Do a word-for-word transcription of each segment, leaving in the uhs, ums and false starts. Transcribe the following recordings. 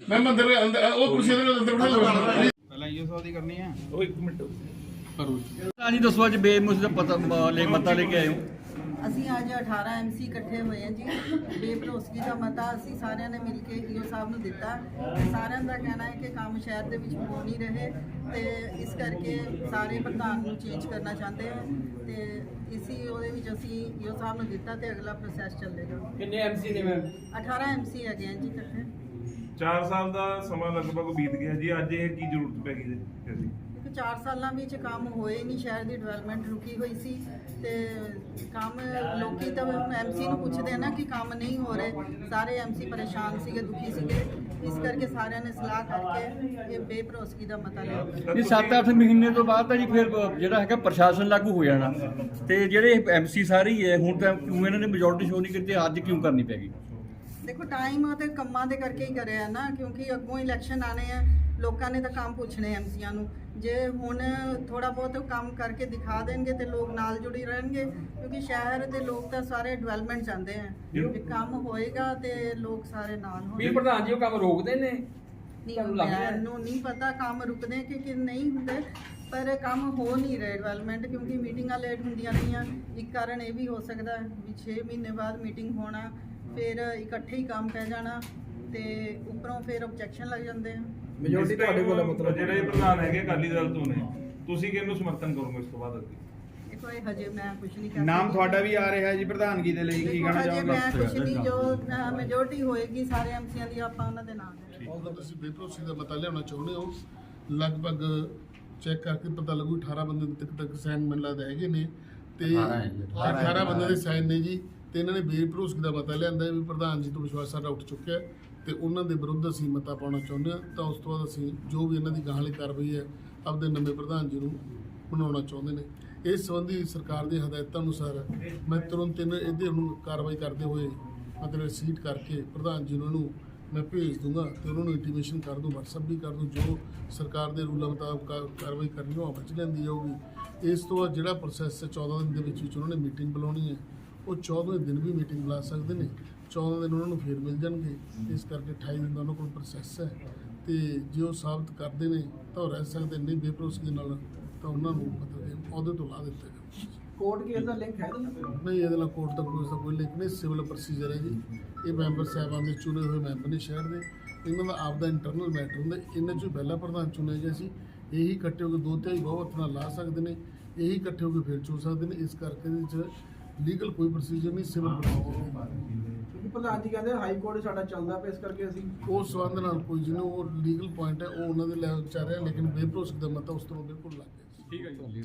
ਮੈਂ ਮੰਦਰ ਅੰਦਰ ਉਹ ਕੁਰਸੀ ਦੇ ਅੰਦਰ ਬਿਠਾ ਲਵਾਂਗਾ ਪਹਿਲਾਂ ਇਹ ਸੌ ਦੀ ਕਰਨੀ ਆ ਉਹ ਇੱਕ ਮਿੰਟ ਕਰੋ ਹਾਂਜੀ ਦੱਸੋ ਅੱਜ ਬੇਮੁਸ ਦਾ ਪਤਾ ਲੈ ਮਤਾ ਲੈ ਕੇ ਆਏ ਹੋ। ਅਸੀਂ ਅੱਜ ਅਠਾਰਾਂ ਐਮਸੀ ਇਕੱਠੇ ਹੋਏ ਹਾਂ ਜੀ। ਬੇਭਰੋਸਗੀ ਦਾ ਮਤਾ ਅਸੀਂ ਸਾਰਿਆਂ ਨੇ ਮਿਲ ਕੇ ਈਓ ਸਾਹਿਬ ਨੂੰ ਦਿੱਤਾ। ਸਾਰਿਆਂ ਦਾ ਕਹਿਣਾ ਹੈ ਕਿ ਕੰਮ ਸ਼ਹਿਰ ਦੇ ਵਿੱਚ ਹੋ ਨਹੀਂ ਰਹੇ ਤੇ ਇਸ ਕਰਕੇ ਸਾਰੇ ਪ੍ਰਧਾਨ ਨੂੰ ਚੇਂਜ ਕਰਨਾ ਚਾਹੁੰਦੇ ਹਾਂ ਤੇ ਇਸੀ ਉਹਦੇ ਵਿੱਚ ਅਸੀਂ ਈਓ ਸਾਹਿਬ ਨੂੰ ਦਿੱਤਾ ਤੇ ਅਗਲਾ ਪ੍ਰੋਸੈਸ ਚੱਲੇਗਾ। ਕਿੰਨੇ ਐਮਸੀ ਨੇ ਮੈਮ? ਅਠਾਰਾਂ ਐਮਸੀ ਹੈਗੇ ਹਾਂ ਜੀ ਇਕੱਠੇ। ਚਾਰ ਸਾਲ ਦਾ ਸਮਾਂ ਲਗਭਗ ਬੀਤ ਗਿਆ ਜੀ, ਅੱਜ ਇਹ ਕੀ ਜ਼ਰੂਰਤ ਪੈ ਗਈ ਜੀ? ਕਿਉਂਕਿ ਚਾਰ ਸਾਲਾਂ ਵਿੱਚ ਕੰਮ ਹੋਏ ਨਹੀਂ, ਸ਼ਹਿਰ ਦੀ ਡਿਵੈਲਪਮੈਂਟ ਰੁਕੀ ਹੋਈ ਸੀ ਤੇ ਕੰਮ ਲੋਕੀ ਤਾਂ ਐਮਸੀ ਨੂੰ ਪੁੱਛਦੇ ਆ ਨਾ ਕਿ ਕੰਮ ਨਹੀਂ ਹੋ ਰਹੇ। ਸਾਰੇ ਐਮਸੀ ਪਰੇਸ਼ਾਨ ਸੀਗੇ, ਦੁਖੀ ਸੀਗੇ, ਇਸ ਕਰਕੇ ਸਾਰਿਆਂ ਨੇ ਸਲਾਹ ਕਰਕੇ ਇਹ ਬੇਭਰੋਸਗੀ ਦਾ ਮਤਾ ਲਿਆ। ਇਹ ਸੱਤ ਅੱਠ ਮਹੀਨੇ ਤੋਂ ਬਾਅਦ ਤਾਂ ਜੀ ਫਿਰ ਜਿਹੜਾ ਹੈਗਾ ਪ੍ਰਸ਼ਾਸਨ ਲਾਗੂ ਹੋ ਜਾਣਾ ਤੇ ਜਿਹੜੇ ਐਮਸੀ ਸਾਰੇ ਹੀ ਹੈ ਹੁਣ ਤਾਂ ਕਿਉਂ ਇਹਨਾਂ ਨੇ ਮੈਜੋਰਟੀ ਸ਼ੋ ਨਹੀਂ ਕੀਤੀ, ਅੱਜ ਕਿਉਂ ਕਰਨੀ ਪੈ ਗਈ? ਦੇਖੋ ਟਾਈਮ ਤੇ ਕੰਮਾਂ ਦੇ ਕਰਕੇ ਹੀ ਕਰਿਆ ਨਾ, ਕਿਉਂਕਿ ਅੱਗੋਂ ਇਲੈਕਸ਼ਨ ਆਣੇ ਆ, ਲੋਕਾਂ ਨੇ ਤਾਂ ਕੰਮ ਪੁੱਛਣੇ ਐਮਸੀਆਂ ਨੂੰ। ਜੇ ਹੁਣ ਥੋੜਾ ਬਹੁਤ ਕੰਮ ਕਰਕੇ ਦਿਖਾ ਦੇਣਗੇ ਤੇ ਲੋਕ ਨਾਲ ਜੁੜੀ ਰਹਿਣਗੇ, ਕਿਉਂਕਿ ਸ਼ਹਿਰ ਦੇ ਲੋਕ ਤਾਂ ਸਾਰੇ ਡਿਵੈਲਪਮੈਂਟ ਚਾਹੁੰਦੇ ਆ। ਜੇ ਕੰਮ ਹੋਏਗਾ ਤੇ ਲੋਕ ਸਾਰੇ ਨਾਲ ਹੋਣਗੇ। ਵੀ ਪ੍ਰਧਾਨ ਜੀ ਉਹ ਕੰਮ ਰੋਕਦੇ ਨੇ? ਨਹੀਂ, ਮੈਨੂੰ ਨਹੀਂ ਪਤਾ ਕੰਮ ਰੁਕਦੇ ਕਿ ਕਿ ਨਹੀਂ ਹੁੰਦੇ, ਪਰ ਕੰਮ ਹੋ ਨਹੀਂ ਰਹੇ ਡਿਵੈਲਪਮੈਂਟ, ਕਿਉਂਕਿ ਮੀਟਿੰਗਾਂ ਲੇਟ ਹੁੰਦੀਆਂ ਰਹੀਆਂ। ਇੱਕ ਕਾਰਨ ਇਹ ਵੀ ਹੋ ਸਕਦਾ ਵੀ ਛੇ ਮਹੀਨੇ ਬਾਅਦ ਮੀਟਿੰਗ ਹੋਣਾ, ਫਿਰ ਇਕੱਠੇ ਹੀ ਕੰਮ ਪੈ ਜਾਣਾ ਤੇ ਉੱਪਰੋਂ ਫਿਰ ਆਬਜੈਕਸ਼ਨ ਲੱਗ ਜਾਂਦੇ ਆ। ਮੈਜੋਰਟੀ ਤੁਹਾਡੇ ਕੋਲ ਮਤਲਬ ਜਿਹੜੇ ਪ੍ਰਧਾਨ ਹੈਗੇ ਅਕਾਲੀ ਦਲ ਤੋਂ ਨੇ, ਤੁਸੀਂ ਕਿਹਨੂੰ ਸਮਰਥਨ ਕਰੋਗੇ ਇਸ ਤੋਂ ਬਾਅਦ ਅੱਗੇ? ਦੇਖੋ ਇਹ ਹਜੇ ਮੈਂ ਕੁਝ ਨਹੀਂ ਕਰ ਨਾਮ ਤੁਹਾਡਾ ਵੀ ਆ ਰਿਹਾ ਜੀ ਪ੍ਰਧਾਨਗੀ ਦੇ ਲਈ, ਕੀ ਕਹਿਣਾ ਚਾਹੋਗੇ? ਮੈਂ ਕੁਝ ਨਹੀਂ, ਜੋ ਮੈਜੋਰਟੀ ਹੋਏਗੀ ਸਾਰੇ ਐਮਸੀਆਂ ਦੀ ਆਪਾਂ ਉਹਨਾਂ ਦੇ ਨਾਮ ਦੇ ਉਹਦਾ ਤੁਸੀਂ ਬੇਭਰੋਸਗੀ ਦਾ ਮਤਾ ਲਿਆਉਣਾ ਚਾਹੁੰਦੇ ਹੋ। ਲਗਭਗ ਚੈੱਕ ਕਰਕੇ ਪਤਾ ਲੱਗੂ ਅਠਾਰਾਂ ਬੰਦੇ ਤੱਕ ਤੱਕ ਸਾਈਨ ਮੈਨੂੰ ਲੱਗਦਾ ਹੈਗੇ ਨੇ ਤੇ ਅਠਾਰਾਂ ਬੰਦੇ ਦੇ ਸਾਈਨ ਨੇ ਜੀ ਤੇ ਇਹਨਾਂ ਨੇ ਬੇਭਰੋਸਗੀ ਦਾ ਮਤਾ ਲਿਆਂਦਾ ਵੀ ਪ੍ਰਧਾਨ ਜੀ ਤੋਂ ਵਿਸ਼ਵਾਸ ਸਾਡਾ ਉੱਠ ਚੁੱਕਿਆ ਤੇ ਉਹਨਾਂ ਦੇ ਵਿਰੁੱਧ ਅਸੀਂ ਮਤਾ ਪਾਉਣਾ ਚਾਹੁੰਦੇ ਹਾਂ। ਤਾਂ ਉਸ ਤੋਂ ਬਾਅਦ ਅਸੀਂ ਜੋ ਵੀ ਇਹਨਾਂ ਦੀ ਗਾਹਾਂ ਵਾਲੀ ਕਾਰਵਾਈ ਹੈ ਆਪਦੇ ਨਵੇਂ ਪ੍ਰਧਾਨ ਜੀ ਨੂੰ ਬਣਾਉਣਾ ਚਾਹੁੰਦੇ ਨੇ। ਇਸ ਸੰਬੰਧੀ ਸਰਕਾਰ ਦੀ ਹਦਾਇਤਾਂ ਅਨੁਸਾਰ ਮੈਂ ਤੁਰੰਤ ਇਹਨਾਂ ਇਹਦੇ ਨੂੰ ਕਾਰਵਾਈ ਕਰਦੇ ਹੋਏ ਮਤਲਬ ਸੀਟ ਕਰਕੇ ਪ੍ਰਧਾਨ ਜੀ ਨੂੰ ਇਹਨੂੰ ਮੈਂ ਭੇਜ ਦੂੰਗਾ ਤੇ ਉਹਨਾਂ ਨੂੰ ਇੰਟੀਮੇਸ਼ਨ ਕਰ ਦੂੰ, ਵਟਸਐਪ ਵੀ ਕਰ ਦੂੰ। ਜੋ ਸਰਕਾਰ ਦੇ ਰੂਲਾਂ ਮੁਤਾਬਕ ਕਾਰਵਾਈ ਕਰਨੀ ਉਹ ਵਿੱਚ ਲੈਂਦੀ ਜਾਊਗੀ। ਇਸ ਤੋਂ ਬਾਅਦ ਜਿਹੜਾ ਪ੍ਰੋਸੈਸ ਹੈ ਚੌਦਾਂ ਦਿਨ ਦੇ ਵਿੱਚ ਵਿੱਚ ਉਹਨਾਂ ਨੇ ਮੀਟਿੰਗ ਬੁਲਾਉਣੀ ਹੈ, ਉਹ ਚੌਦਾਂ ਦਿਨ ਵੀ ਮੀਟਿੰਗ ਬੁਲਾ ਸਕਦੇ ਨੇ, ਚੌਦਾਂ ਦਿਨ ਉਹਨਾਂ ਨੂੰ ਫੇਰ ਮਿਲ ਜਾਣਗੇ। ਇਸ ਕਰਕੇ ਅਠਾਈ ਦਿਨ ਦਾ ਉਹਨਾਂ ਕੋਲ ਪ੍ਰੋਸੈਸ ਹੈ ਤੇ ਜੇ ਉਹ ਸਾਬਤ ਕਰਦੇ ਨੇ ਤਾਂ ਉਹ ਰਹਿ ਸਕਦੇ, ਨਹੀਂ ਬੇਭਰੋਸਗੀ ਨਾਲ ਤਾਂ ਉਹਨਾਂ ਨੂੰ ਮਤਲਬ ਅਹੁਦੇ ਤੋਂ ਲਾ ਦਿੱਤਾ ਜਾਊਗਾ। ਕੋਰਟ ਕੇਸ ਦਾ ਲਿੰਕ ਹੈ ਨਹੀਂ, ਇਹਦੇ ਨਾਲ ਕੋਰਟ ਦਾ ਕੋਈ ਦਾ ਕੋਈ ਲਿੰਕ ਨਹੀਂ, ਸਿਵਲ ਪ੍ਰੋਸੀਜਰ ਹੈ ਜੀ। ਇਹ ਮੈਂਬਰ ਸਾਹਿਬਾਨ ਦੇ ਚੁਣੇ ਹੋਏ ਮੈਂਬਰ ਨੇ ਸ਼ਹਿਰ ਦੇ, ਇਹਨਾਂ ਦਾ ਆਪਦਾ ਇੰਟਰਨਲ ਮੈਟਰ ਹੁੰਦਾ। ਇਹਨਾਂ 'ਚੋਂ ਪਹਿਲਾ ਪ੍ਰਧਾਨ ਚੁਣਿਆ ਗਿਆ ਸੀ, ਇਹੀ ਇਕੱਠੇ ਹੋ ਕੇ ਦੋ ਤਿਹਾਈ ਬਹੁਮਤ ਨਾਲ ਲਾ ਸਕਦੇ ਨੇ, ਇਹੀ ਇਕੱਠੇ ਹੋ ਕੇ ਫਿਰ ਚੁਣ ਸਕਦੇ ਨੇ। ਇਸ ਕਰਕੇ ਇਹਦੇ 'ਚ ਲੀਗਲ ਕੋਈ ਪ੍ਰੋਸੀਜਰ ਨਹੀਂ, ਸਿਵਲ ਪ੍ਰੋਸੀਜਰ ਹੈ। ਕਿਉਂਕਿ ਪ੍ਰਧਾਨ ਜੀ ਕਹਿੰਦੇ ਹਾਈ ਕੋਰਟ ਸਾਡਾ ਚੱਲਦਾ ਪਿਆ, ਇਸ ਕਰਕੇ ਅਸੀਂ ਉਸ ਸੰਬੰਧ ਨਾਲ ਕੋਈ ਜਿਹਨੂੰ ਉਹ ਲੀਗਲ ਪੁਆਇੰਟ ਹੈ ਉਹ ਉਹਨਾਂ ਦੇ ਲੈਵਲ 'ਚ ਆ ਰਿਹਾ, ਲੇਕਿਨ ਬੇਭਰੋਸਗੀ ਦਾ ਮਤਾ ਉਸ ਤੋਂ ਬਿਲਕੁਲ ਲੱਗ ਗਿਆ। ਠੀਕ ਹੈ ਜੀ।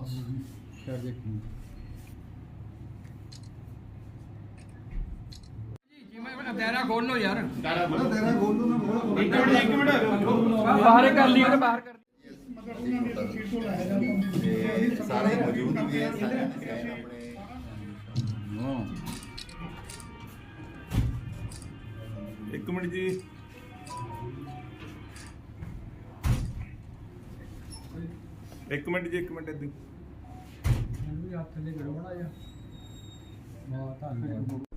ਸ਼ਹਿਰ ਦੇਖੀ ਦਾਇਰਾ ਖੋਲ ਲੋ ਯਾਰ, ਦਾਇਰਾ ਖੋਲ ਲੋ ਨਾ। ਇੱਕ ਮਿੰਟ ਇੱਕ ਮਿੰਟ ਬਾਹਰ ਕਰ ਲਈ ਉਹਨੇ, ਬਾਹਰ ਕਰ ਸਾਰੇ ਮੌਜੂਦ ਵੀ ਹੈ, ਸਾਰੇ ਆਪਣੇ ਇੱਕ ਮਿੰਟ ਜੀ, ਇੱਕ ਮਿੰਟ ਜੀ, ਇੱਕ ਮਿੰਟ ਇੱਦਾਂ ਹੱਥ ਥੱਲੇ ਕਰੋ ਬਣਾ ਜਾ। ਬਹੁਤ ਧੰਨਵਾਦ।